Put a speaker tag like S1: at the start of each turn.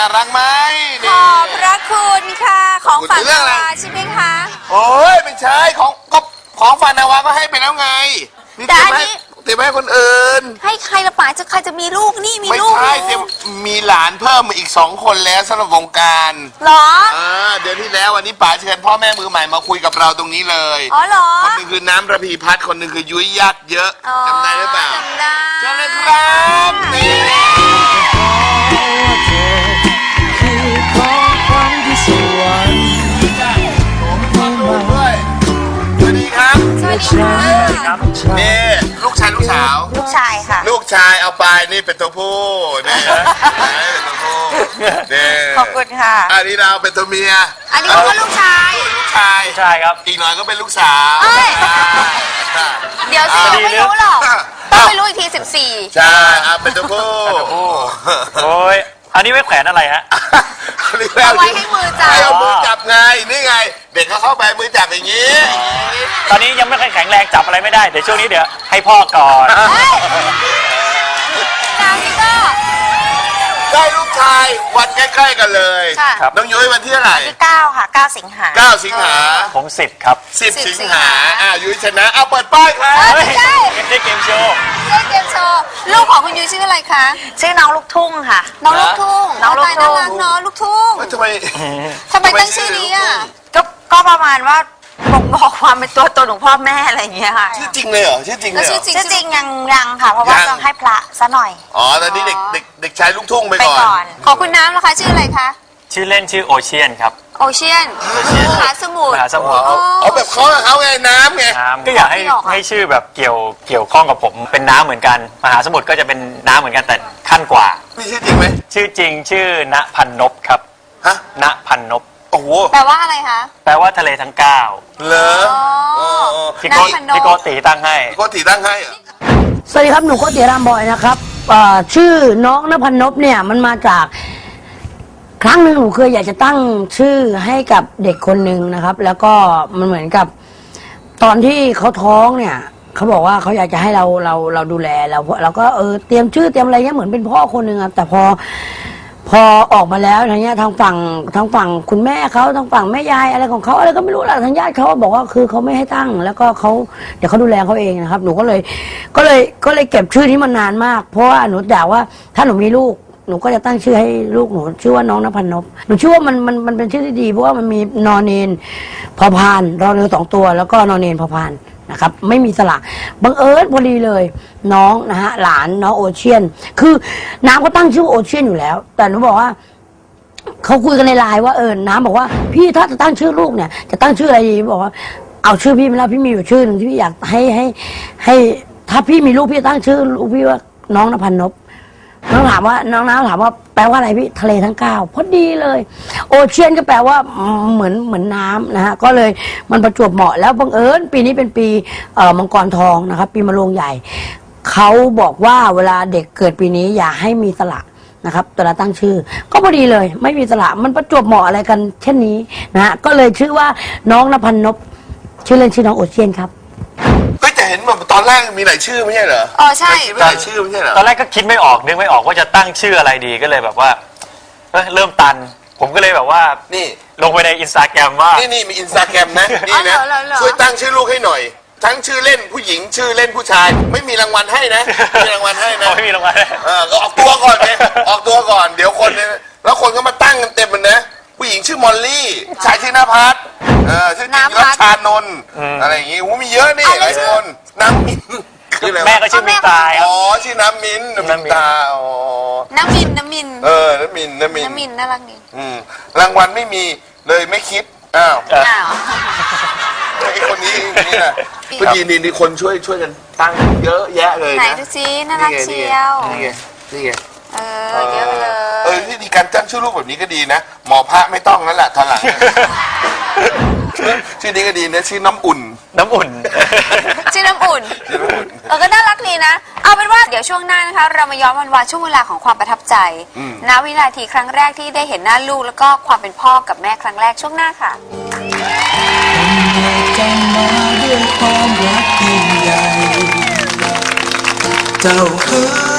S1: น่ารักไหม
S2: ขอบพระคุณค่ะของฝันนาวาใช่ไหมคะ
S1: โอ้ยไม่ใช่ของฝันนาวาก็ให้ไปแล้วไง
S2: แต่อันนี้
S1: เตรียมให้คนอื่น
S2: ให้ใครละป๋าจะใครจะมีลูกนี่มีลูก
S1: ไม่ใช่เตรียมมีหลานเพิ่มมาอีก2 คนแล้วสำหรับวงการ
S2: หรอ
S1: เดือนที่แล้ววันนี้ป๋าเชิญพ่อแม่มือใหม่มาคุยกับเราตรงนี้เลย
S2: อ๋อเหรอ
S1: คนหนึ่งคือน้ำระพีพัฒน์คนหนึ่งคือยุ้ยยักษ์เยอะจำได้หรือเปล่า
S2: จำได้
S1: เชิญเลยครับนี่
S3: คือของขวัญที่สวรรค์
S1: สวัสดีครับ
S2: สวัสดีค่ะ
S1: นี่ลูกชายลูกสาว
S2: ลูกชายค่ะ
S1: ลูกชายเอาไปนี่เป็นตัวผู้นี่เป็นตัวผู้นี่
S2: ขอบคุณค่ะ
S1: อันนี้เราเป็นตัวเมีย
S2: อันนี้ก็ลูกชาย
S1: ใช่ครับอีกหน่อยก็เป็นลูกสาว
S2: เดี๋ยวสิไม่รู้หรอกต้องไปรู้อีกที14
S1: ใช่เป็นตัวผู้
S4: โอ้ยอันนี้ไว้แขวนอะไรฮะ
S2: เอาไว้ให้มือจับ
S1: เอามือจับไงนี่ไงเด็กเขาเข้าไปมือจับอย่างนี้
S4: ตอนนี้ยังไม่ค่อยแข็งแรงจับอะไรไม่ได้เดี๋ยวช่วงนี้เดี๋ยวให้พ่อก่อน
S2: นางนี่ก็
S1: ได้ลูกชายวันใกล้ๆกันเลยน้องยุ้ยวันที่เท่าไหร่
S2: ที่9ค่ะ9 สิงหา
S1: 9 สิงหา
S4: ผม10ครับ
S1: 10 สิงหายุ้ยชนะเอาเปิดป้ายครับ
S2: ไม่ใช่
S4: เกมโชว์
S2: ลูกของคุณยุ้ยชื่ออะไรคะชื่อน้องลูกทุ่งค่ะน้องลูกทุ่งน้องลูกทุ่งน้องลูกทุ่ง
S1: ทำไม
S2: ตั้งชื่อนี้อ่ะ
S5: ก็ประมาณว่าบอกความเป็นตัวตนของพ่อแม่อะไรอย่างเงี้ยค่ะ
S1: ชื่อจริงเลยเหรอชื่อจริงเลย
S5: ชื่อจริงยังค่ะเพราะว่าต้องให้พระซะหน่อย
S1: ตอนนี้เด็กชายลูกทุ่งไปก่อน
S2: ของคุณน้ำนะคะชื่ออะไรคะ
S4: ชื่อเล่นชื่อโอเชียนครับ
S2: โอเชียนมหาสมุทร
S1: เอาแบบเขาไงน้ำไง
S4: ก็อยากให้ชื่อแบบเกี่ยวข้องกับผมเป็นน้ำเหมือนกันมหาสมุทรก็จะเป็นน้ำเหมือนกันแต่ขั้นกว่า
S1: มีชื่อจริงไหม
S4: ชื่อจริงชื่อณพันนพครับณพันนพ
S1: โอ้โห
S2: แปลว่าอะไรคะ
S4: แปลว่าทะเลทั้ง9
S1: เหรอ
S4: พี่โกติตั้งให้
S1: โกติตั้งให้
S3: สวัสดีครับหนูโกติรามบอยนะครับชื่อน้องณพันนพเนี่ยมันมาจากครั้งหนึ่งหนูเคยอยากจะตั้งชื่อให้กับเด็กคนหนึ่งนะครับแล้วก็มันเหมือนกับตอนที่เขาท้องเนี่ยเขาบอกว่าเขาอยากจะให้เราดูแลเราก็เตรียมชื่อเตรียมอะไรเงี้ยเหมือนเป็นพ่อคนหนึ่งครับแต่พอออกมาแล้วทางเนี้ยทางฝั่งคุณแม่เขาทางฝั่งแม่ยายอะไรของเขาอะไรก็ไม่รู้แหละทางญาติเขาบอกว่าคือเขาไม่ให้ตั้งแล้วก็เดี๋ยวเขาดูแลเขาเองนะครับหนูก็เลยเก็บชื่อนี้มานานมากเพราะว่าหนูอยากว่าถ้าหนูมีลูกหนูก็จะตั้งชื่อให้ลูกหนูชื่อว่าน้องณพันนพหนูชื่อว่ามันเป็นชื่อที่ดีเพราะว่ามันมีนอนเนนพอพานรอเรือ2 ตัวแล้วก็นอนเนนพอพานนะครับไม่มีสระบังเอิญพอดีเลยน้องนะฮะหลานน้องโอเชียนคือน้ำก็ตั้งชื่อโอเชียนอยู่แล้วแต่หนูบอกว่าเขาคุยกันในไลน์ว่าน้ำบอกว่าพี่ถ้าจะตั้งชื่อลูกเนี่ยจะตั้งชื่ออะไรดีบอกว่าเอาชื่อพี่มาแล้วพี่มีอยู่ชื่อหนึ่งที่พี่อยากให้ถ้าพี่มีลูกพี่ตั้งชื่อลูกพี่ว่าน้องณพันนพน้องน้ำถามว่าแปลว่าอะไรพี่ทะเลทั้ง9พอดีเลยโอเชียนก็แปลว่าเหมือนน้ำนะฮะก็เลยมันประจวบเหมาะแล้วบังเอิญปีนี้เป็นปีมังกรทองนะครับปีมะโรงใหญ่เขาบอกว่าเวลาเด็กเกิดปีนี้อย่าให้มีสระนะครับแต่ละตั้งชื่อก็พอดีเลยไม่มีสระมันประจวบเหมาะอะไรกันเช่นนี้นะฮะก็เลยชื่อว่าน้องณพันนพชื่อเล่นชื่อน้องโอเชียนครับ
S1: ก็จะเห็นแบบตอนแรกมีหลายชื่อไม่ใช่เหรอ
S2: ใช่
S1: มีหลายชื่อไม่ใช่เหรอ
S4: ตอนแรกก็คิดไม่ออกนึกไม่ออกว่าจะตั้งชื่ออะไรดีก็เลยแบบว่าเริ่มตันผมก็เลยแบบว่า
S1: นี่
S4: ลงไปในอินสตาแกรมว่า
S1: นี่มีอินสตาแกรมนะนี่นะช่วยตั้งชื่อลูกให้หน่อยทั้งชื่อเล่นผู้หญิงชื่อเล่นผู้ชายไม่มีรางวัลให้นะไม่มีรางวัลให้นะ
S4: ไม่มีรางวัล
S1: ก็ออกตัวก่อนไงออกตัวก่อนเดี๋ยวคนแล้วคนก็มาตั้งกันเต็มมันนะผู้หญิงชื่อมอลลี่ชายชื่อณภัสชื่อจริงรัชานนท์อะไรอย่างงี้มีเยอะนี่หลายคนน้ำมิน
S4: แม่ก็ชื่อมินตา
S1: ชื่อน้ำมินตา
S2: น้ำมิน
S1: น้ำมิน
S2: น่ารักนี่
S1: รางวัลไม่มีเลยไม่คิดอ้าวไอ้คนนี้นี่นะพอดีนี่คนช่วยกันตั้งเยอะแยะเลยนะ
S2: ไหนดูซิน่ารักเชียว
S1: นี่ไง
S2: เยอะเลย
S1: ที่ดีการตั้งชื่อลูกแบบนี้ก็ดีนะหมอพระไม่ต้องนั่นแหละทางหลังชื่อนี้ก็ดีนะชื่อน้ำอุ่น
S2: ชื่อน้ำอุ่นก็น่ารักดีนะเอาเป็นว่าเดี๋ยวช่วงหน้านะคะเรามาย้อนวันช่วงเวลาของความประทับใจณวินาทีครั้งแรกที่ได้เห็นหน้าลูกแล้วก็ความเป็นพ่อกับแม่ครั้งแรกช่วงหน้าค่ะ
S3: จะมาด้วยความรักยิ่งใหญ่เจ้าคือ